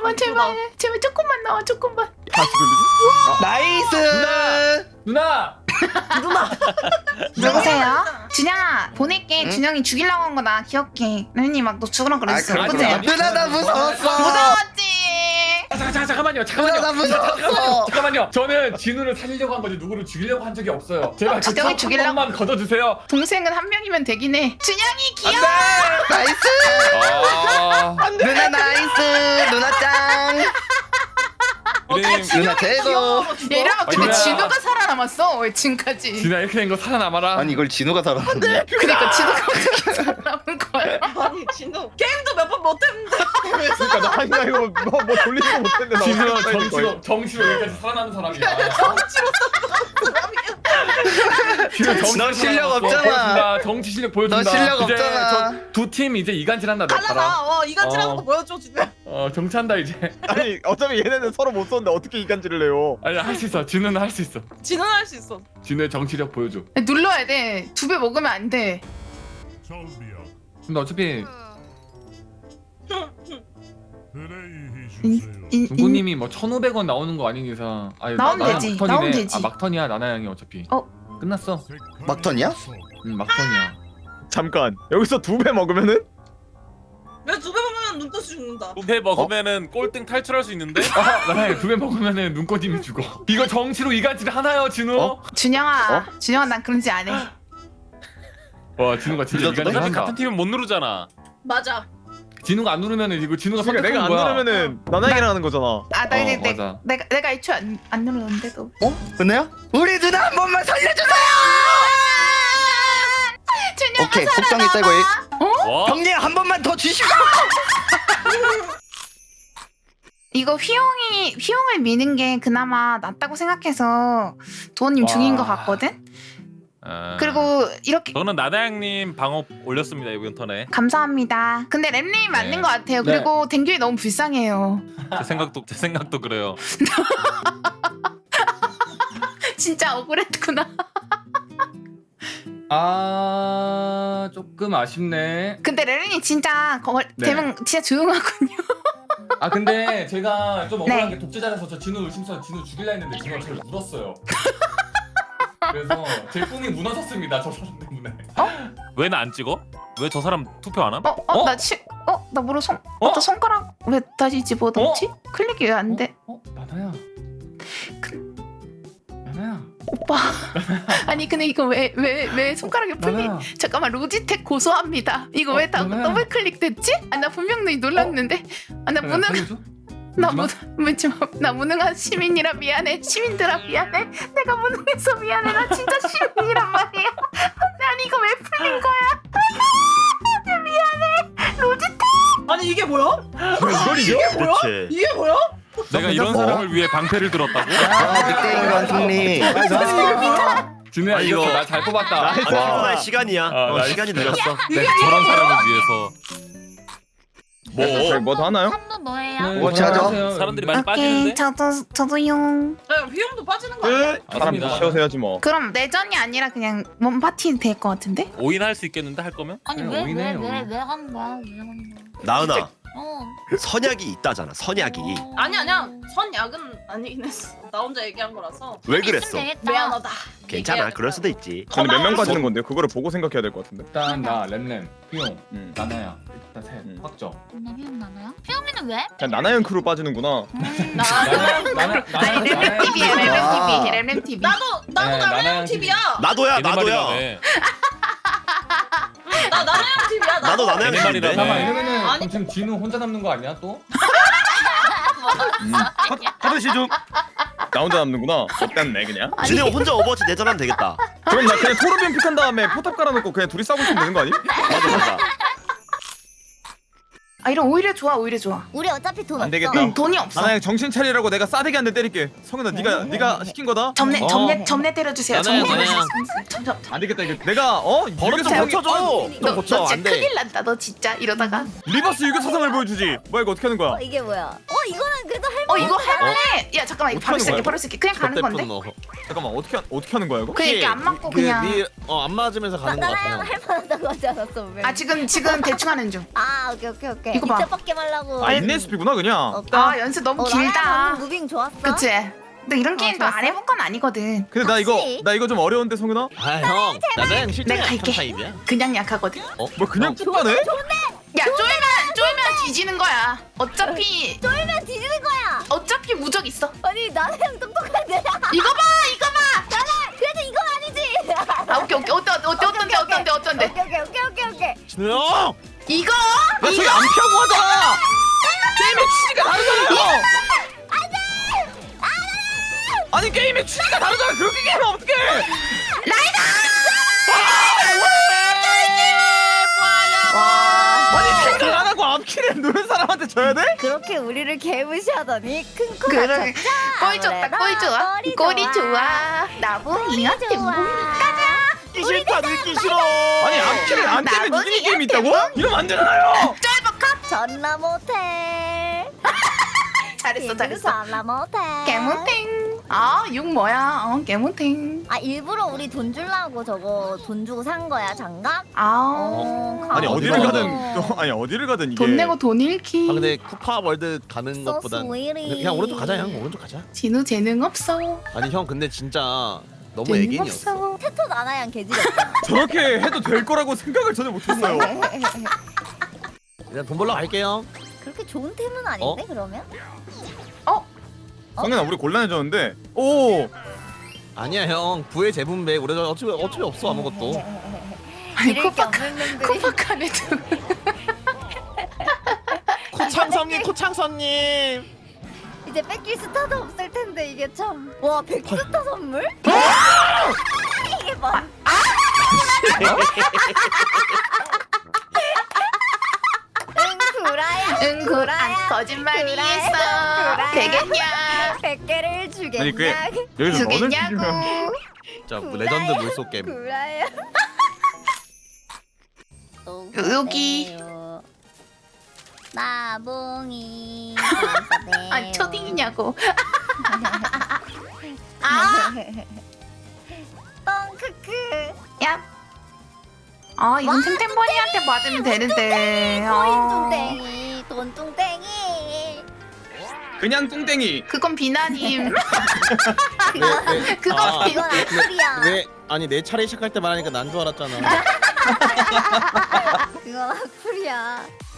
제발 조금만 나와 조금만. 다시 돌리기? 나이스. 누나. 누구세요? 준영아 보낼게. 준영이 죽이려고 한 거다. 귀엽게. 렌이 막 너 죽으라 그랬어. 그래. 그치? 아니, 누나 나 무서웠어. 무서웠지. 잠깐만요. 누나 나 무서웠어. 잠깐만요. 저는 진우를 살리려고 한 거지 누구를 죽이려고 한 적이 없어요. 제발 진짜 그한 죽이려고? 번만 걷어주세요. 동생은 한 명이면 되긴 해. 준영이 귀여워. 나이스. 누나 나이스. 누나 짱. 누나 최고. 야 이러면 근데 준영아. 진우가 살아남았어. 왜 지금까지? 진우야 이렇게 된 거 살아남아라. 아니 이걸 진우가 살았네. 그러니까 진우가 어떻게 살아남은 거야? 아니 진우 게임도 몇 번 못했는데 왜 그러니까 나 아니 나 이거 뭐 돌리지도 못했는데 나 진우 어떻게 정치로 여기까지 살아남은 사람이야. 너 실력 없잖아. 정치 실력 보여준다. 너 실력 이제 없잖아. 두 팀 이제 이간질한다. 너 봐라. 달라나 이간질하는 거 보여줘 진우. 정치한다 이제. 아니 어차피 얘네는 서로 못 썼는데 어떻게 이간질을 해요? 아니 할 수 있어. 진우는 할 수 있어. 진우는 할 수 있어. 진우의 정치력 보여줘. 눌러야 돼. 2배 먹으면 안 돼. 근데 어차피 인- 뭐 1,500원 나오는 거 아닌 이상 아니 나오면 나는 되지, 막턴이네. 나오면 되지. 아 막턴이야 나나 형이 어차피. 끝났어. 막턴이야? 막턴이야. 잠깐 여기서 2배 먹으면은 왜 두 배 보면 눈떠서 죽는다. 2배 먹으면은 꼴등 탈출할 수 있는데? 나나 형 2배 먹으면은 눈꺼짐이 죽어. 이거 정치로 이간질 하나요 진우? 준영아 준영아 난 그런 짓 안 해. 와 진우가 진짜 믿어도 이간질 어차피 한다. 같은 팀은 못 누르잖아. 맞아. 진우가 안 누르면은 이거 진우가 그러니까 내가 선택한 안 거야. 누르면은 나나에게 하는 거잖아. 아 나 이제 맞아. 내가 애초에 안 눌렀는데도. 은혜야? 우리 누나 한 번만 살려주세요. 준영아 오케이 속상이 떼고 와? 형님 한 번만 더 주시고. 이거 휘용을 미는 게 그나마 낫다고 생각해서 도원님 중인 것 같거든. 그리고 이렇게 저는 나다양님 방어 올렸습니다 이번 턴에. 감사합니다. 근데 램님이 맞는 네. 것 같아요. 네. 그리고 댕규이 너무 불쌍해요. 제 생각도 그래요. 진짜 억울했구나. 조금 아쉽네. 근데 램님이 진짜 네. 되면 진짜 조용하군요. 근데 제가 좀 억울한 네. 게 독재자라서 저 진우 의심서 진우 죽일라 했는데 진우가 저를 물었어요. 그래서 제 꿈이 무너졌습니다. 저 사람 때문에. 왜 나 안 찍어? 왜 저 사람 투표 안 함? 어? 나 모르 어? 나 손가락 왜 다시 집어넣지? 클릭이 왜 안 돼? 나나야. 나나야. 오빠. 아니 근데 이거 왜 손가락이 풀리? 나나야. 잠깐만 로지텍 고소합니다. 이거 왜 다 나나야. 더블 클릭됐지? 나 분명히 놀랐는데. 나 나나야, 무능 살려줘? 나 무능한 시민이라 미안해. 시민들아 미안해. 내가 무능해서 미안해. 나 진짜 시민이란 말이야. 난 이거 왜 풀린 거야? 나 미안해. 로지텍. 아니 이게 뭐야? 이걸 이겨? 이게 뭐야? 이게 뭐야? 내가 이런 사람을 위해 방패를 들었다고? 늑대인간 승리. 진우야 아니, 이거 이거- 나 잘 뽑았다. 아니 와. 필요할 시간이야. 나 시간이 이거- 늦었어. 저런 사람을 위해서. 저희 뭐더 하나요? 선도 뭐예요? 네, 뭐 찾아? 안녕하세요. 사람들이 많이 오케이 빠지는데? 저도용. 휘용도 빠지는 거 아니야? 사람 맞습니다. 더 채워서 해야지 뭐. 그럼 내전이 아니라 그냥 몸 파티 될 것 같은데? 5인 할 수 있겠는데 할 거면? 아니 그냥 왜 오이네, 왜 오이. 왜 간 거야? 왜 간 거야? 나은아, 어. 선약이 있다잖아. 선약이. 아니야. 선약은 아니긴 했어. 나 혼자 얘기한 거라서. 왜 있으면 그랬어? 되겠다. 미안하다. 괜찮아. 얘기해야 그럴 돼. 수도 있지. 근데 몇 명 빠지는 건데 그거를 보고 생각해야 될 것 같은데. 일단 나 램램, 휘용, 음. 나나야. 일단 셋. 음. 확정. 나 휘용 나나요? 휘용이는 왜? 그냥 나나형 크루 빠지는구나. 램램 TV야 램램 TV. 나도 네, 나랑 나나양 TV야. 나도야. 걔네 나도야. 말이라네. 나 나랑 TV야. 나도 나나양 걔네 말이라네. 잠깐만 이러면은 아니. 그럼 지금 진우 혼자 남는 거 아니야 또? 하듯이 좀. 나 혼자 남는구나. 어땠네 그냥. 준이 형 혼자 오버워치 내전하면 되겠다. 그럼 나 그냥 토르비움 픽한 다음에 포탑 깔아놓고 그냥 둘이 싸우고 있으면 되는 거 아니? 맞아. 이런 오히려 좋아 오히려 좋아. 우리 어차피 돈 안 없어. 되겠다. 돈이 없어. 나나형 정신 차리라고 내가 싸대기 한 대 때릴게. 성현아 네가 시킨 거다. 점내 때려주세요. 점내 나나야. 점점. 안 되겠다 이거. 내가 버릇 좀 고쳐줘. 너 고쳐. 진짜 안 돼. 큰일 난다. 너 진짜 이러다가. 리버스 유교 사상을 보여주지. 뭐야 이거 어떻게 하는 거야? 이게 뭐야? 이거는 그래도 할 이거 할만해. 야 잠깐만 이거 바로 어떻게 하는 쓸게 바로 쓸게. 그냥 가는 건데. 잠깐만 어떻게 하는 거야 이거? 그냥 이렇게 안 맞고 그냥. 안 맞으면서 가는 거 나나양 같아. 할 만하다고 하지 않았어? 왜? 지금 대충 하는 중. 오케이. 오케이. 이거 봐. 이때 뻗게 말라고. 아 인내숲이구나 그냥. 아 연습 너무 길다. 방금 무빙 좋았어. 그치? 근데 이런 게임도 안 좋았어? 해본 건 아니거든. 근데 나 혹시? 이거 좀 어려운데 성윤아? 아형 나는 실제 내가 갈게. 타입이야. 그냥 약하거든. 뭐 그냥 뚝가네? 야 쫄면 뒤지는 거야. 어차피 쫄면 뒤지는 거야. 어차피 무적 있어. 아니 나랑 똑똑한데. 이거 봐. 나는 그래도 이건 아니지. 아 오케이 어떤데. 오케이. 진우 형. 이거 야 저기 안 피하고 하잖아. 게임의 취지가 다르잖아요. 아니 게임의 취지가 다르잖아. 그렇게 게임하면 어떡해? 아니 생각 안 하고 앞키를 누른 사람한테 져야 돼? 그렇게 우리를 개무시하더니 큰 코가 그래. 꼴 좋다 꼴 좋아. 꼴이 좋아. 나보 이한테 뭐 듣기 싫다 듣기 싫어. 아니 앞키를 안 때면 나머지 이기는 게임이 있다고? 이러면 안 되잖아요. 쫄박합. 전라 모텔. 잘했어. 전라 모텔. 개몬탱. 아6 뭐야? 개몬탱. 아 일부러 우리 돈 주려고 저거 돈 주고 산 거야 장갑? 아니 어디를 가보자. 가든 또 아니 어디를 가든 이게 돈 내고 돈 잃기. 아 근데 쿠파 월드 가는 So 것보단 sweetie. 그냥 오른쪽 가자 형 오른쪽 가자. 진우 재능 없어. 아니 형 근데 진짜 너무 재능 애견이었어. 없어. 테토 나나양 개지렸잖아. 저렇게 해도 될 거라고 생각을 전혀 못했어요. 그냥 돈 벌러 갈게요. 그렇게 좋은 템은 아닌데 그러면? 성현아 우리 곤란해졌는데. 오. 아니야 형 부의 재분배 우리 어차피 없어 아무것도. 아니 이럴 게 없는 놈들이. 코파카네도. 코창선님 코창선님. 이제 뺏길 스타도 없을 텐데 이게 참. 와 100스타 선물? 이게 뭐? 응 구라야. 거짓말이 있어. 되겠냐? 100개를 주겠냐? 아니 그게 여기서 너를 주겠냐고. 죽이면 자 레전드 물속 게임. 구라야. 여기. 나봉이. 아니 초딩이냐고. 아. 뻥크크. 야. 아 이건 템템버니한테 받으면 되는데. 코인 뚱땡이. 돈 뚱땡이. 그냥 뚱땡이. 그건 비나님. 왜? 그건 아, 비. 이건 악플이야. 왜 아니 내 차례 시작할 때 말하니까 난 줄 알았잖아. 그건 악플이야.